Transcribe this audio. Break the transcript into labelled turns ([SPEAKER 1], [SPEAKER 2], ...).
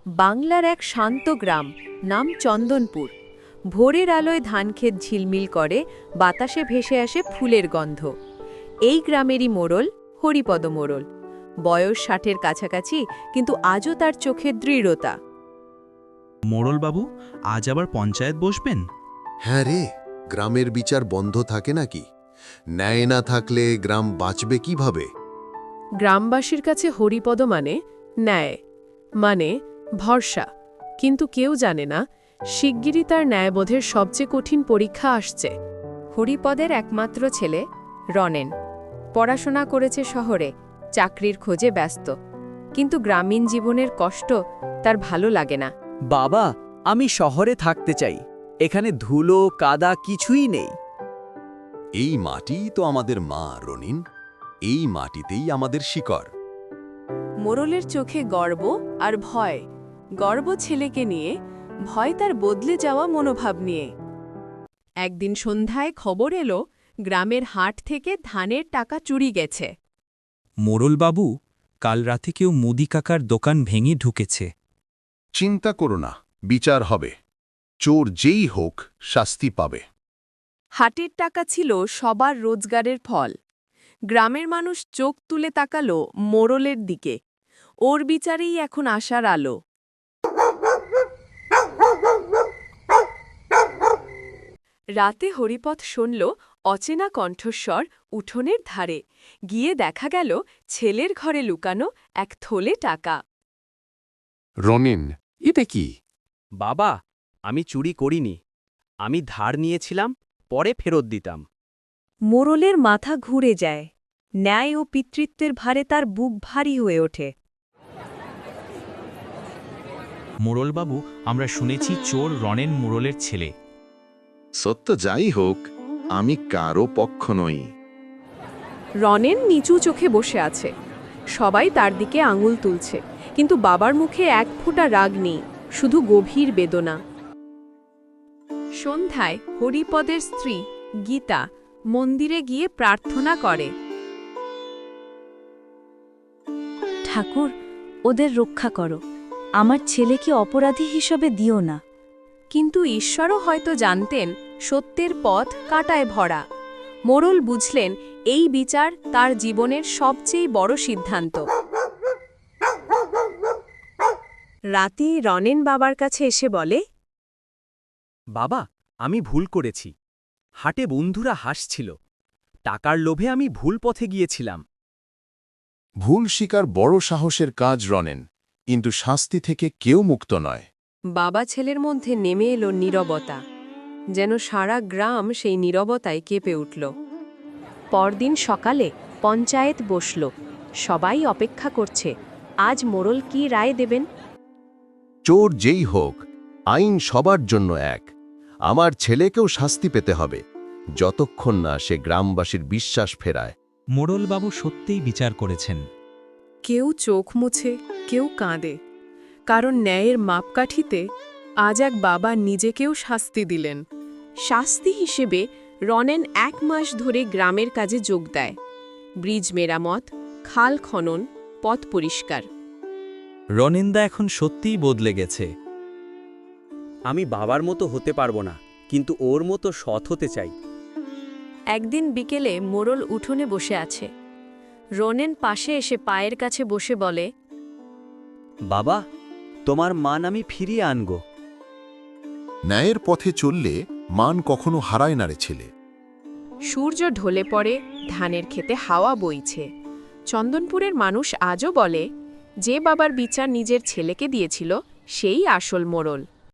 [SPEAKER 1] বাংলার এক শান্ত গ্রাম, নাম চন্দনপুর। ভোরের আলোয় ধানক্ষেত ঝিলমিল করে, বাতাসে ভেসে আসে ফুলের গন্ধ। এই গ্রামেরই মোড়ল হরিপদ মোড়ল। বয়স ৬০-এর কাছাকাছি, কিন্তু আজও তার চোখের দৃঢ়তা।
[SPEAKER 2] মোড়লবাবু, আজ আবার পঞ্চায়েত বসবেন?
[SPEAKER 3] হ্যাঁ রে, গ্রামের বিচার বন্ধ থাকে নাকি? ন্যায় না থাকলে গ্রাম বাঁচবে কিভাবে?
[SPEAKER 4] গ্রামবাসীর কাছে হরিপদ মানে ন্যায়, মানে ভরসা। কিন্তু কেউ জানে না, শিগগিরই তার ন্যায়বোধের সবচেয়ে কঠিন পরীক্ষা আসছে।
[SPEAKER 1] হরিপদের একমাত্র ছেলে রনেন পড়াশোনা করেছে শহরে, চাকরির খোঁজে ব্যস্ত। কিন্তু গ্রামীণ জীবনের কষ্ট তার ভালো লাগে না।
[SPEAKER 5] বাবা, আমি শহরে থাকতে চাই। এখানে ধুলো কাদা কিছুই নেই।
[SPEAKER 3] এই মাটিই তো আমাদের মা, রনিন। এই মাটিতেই আমাদের শিকড়।
[SPEAKER 4] মোড়লের চোখে গর্ব আর ভয়। গর্ব ছেলেকে নিয়ে, ভয় তার বদলে যাওয়া মনোভাব নিয়ে। একদিন সন্ধ্যায় খবর এলো, গ্রামের হাট থেকে ধানের টাকা চুরি গেছে।
[SPEAKER 2] মোড়লবাবু, কাল রাতে কেউ মুদি কাকার দোকান ভেঙে ঢুকেছে।
[SPEAKER 3] চিন্তা করো না, বিচার হবে। চোর যেই হোক, শাস্তি পাবে।
[SPEAKER 4] হাটের টাকা ছিল সবার রোজগারের ফল। গ্রামের মানুষ চোখ তুলে তাকালো মোড়লের দিকে। ওর বিচারেই এখন আশার আলো। রাতে হরিপদ শুনল অচেনা কণ্ঠস্বর উঠোনের ধারে। গিয়ে দেখা গেল ছেলের ঘরে লুকানো এক থলে টাকা।
[SPEAKER 3] রনিন, এটা কি?
[SPEAKER 5] বাবা, আমি চুরি করিনি। আমি ধার নিয়েছিলাম, পরে ফেরত দিতাম।
[SPEAKER 1] মোড়লের মাথা ঘুরে যায়। ন্যায় ও পিতৃত্বের ভারে তার বুক ভারী হয়ে ওঠে।
[SPEAKER 2] মোড়লবাবু, আমরা শুনেছি চোর রনেন মোড়লের ছেলে।
[SPEAKER 3] সত্য যাই হোক, আমি কারো পক্ষ নই।
[SPEAKER 4] রনেন নিচু চোখে বসে আছে। সবাই তার দিকে আঙুল তুলছে, কিন্তু বাবার মুখে এক ফোঁটা রাগ নেই, শুধু গভীর বেদনা। সন্ধ্যায় হরিপদের স্ত্রী গীতা মন্দিরে গিয়ে প্রার্থনা করে।
[SPEAKER 1] ঠাকুর, ওদের রক্ষা করো। আমার ছেলেকে অপরাধী হিসেবে দিও না।
[SPEAKER 4] কিন্তু ঈশ্বরও হয়তো জানতেন সত্যের পথ কাঁটায় ভরা। মোড়ল বুঝলেন এই বিচার তার জীবনের সবচেয়ে বড় সিদ্ধান্ত।
[SPEAKER 1] রাতে রনেন বাবার কাছে এসে বলে,
[SPEAKER 5] বাবা, আমি ভুল করেছি। হাটে বন্ধুরা হাসছিল। টাকার লোভে আমি ভুল পথে গিয়েছিলাম।
[SPEAKER 3] ভুল স্বীকার বড় সাহসের কাজ, রনেন, কিন্তু শাস্তি থেকে কেউ মুক্ত নয়।
[SPEAKER 4] বাবা ছেলের মধ্যে নেমে এলো নীরবতা, যেন সারা গ্রাম সেই নীরবতায় কেঁপে উঠল। পরদিন সকালে পঞ্চায়েত বসল। সবাই অপেক্ষা করছে, আজ মোড়ল কি রায় দেবেন।
[SPEAKER 3] চোর যেই হোক, আইন সবার জন্য এক। আমার ছেলেকেও শাস্তি পেতে হবে, যতক্ষণ না সে গ্রামবাসীর বিশ্বাস ফেরায়।
[SPEAKER 2] মোড়লবাবু সত্যিই বিচার করেছেন।
[SPEAKER 4] কেউ চোখ মুছে, কেউ কাঁদে, কারণ ন্যায়ের মাপকাঠিতে আজ এক বাবা নিজেকেও শাস্তি দিলেন। শাস্তি হিসেবে রনেন ১ মাস ধরে গ্রামের কাজে যোগ দেয়। ব্রিজ মেরামত, খাল খনন, পথ পরিষ্কার।
[SPEAKER 2] রনেনদা এখন সত্যিই বদলে গেছে।
[SPEAKER 5] আমি বাবার মতো হতে পারবো না, কিন্তু ওর মতো সৎ হতে চাই।
[SPEAKER 1] একদিন বিকেলে মোড়ল উঠোনে বসে আছে। রনেন পাশে এসে পায়ের কাছে বসে বলে,
[SPEAKER 5] বাবা, তোমার মান আমি ফিরিয়ে আনব।
[SPEAKER 3] ন্যায়ের পথে চললে মান কখনো হারায় না রে ছেলে।
[SPEAKER 4] সূর্য ঢলে পড়ে, ধানের খেতে হাওয়া বইছে। চন্দনপুরের মানুষ আজও বলে, যে বাবার বিচার নিজের ছেলেকে দিয়েছিল সেই আসল মোড়ল।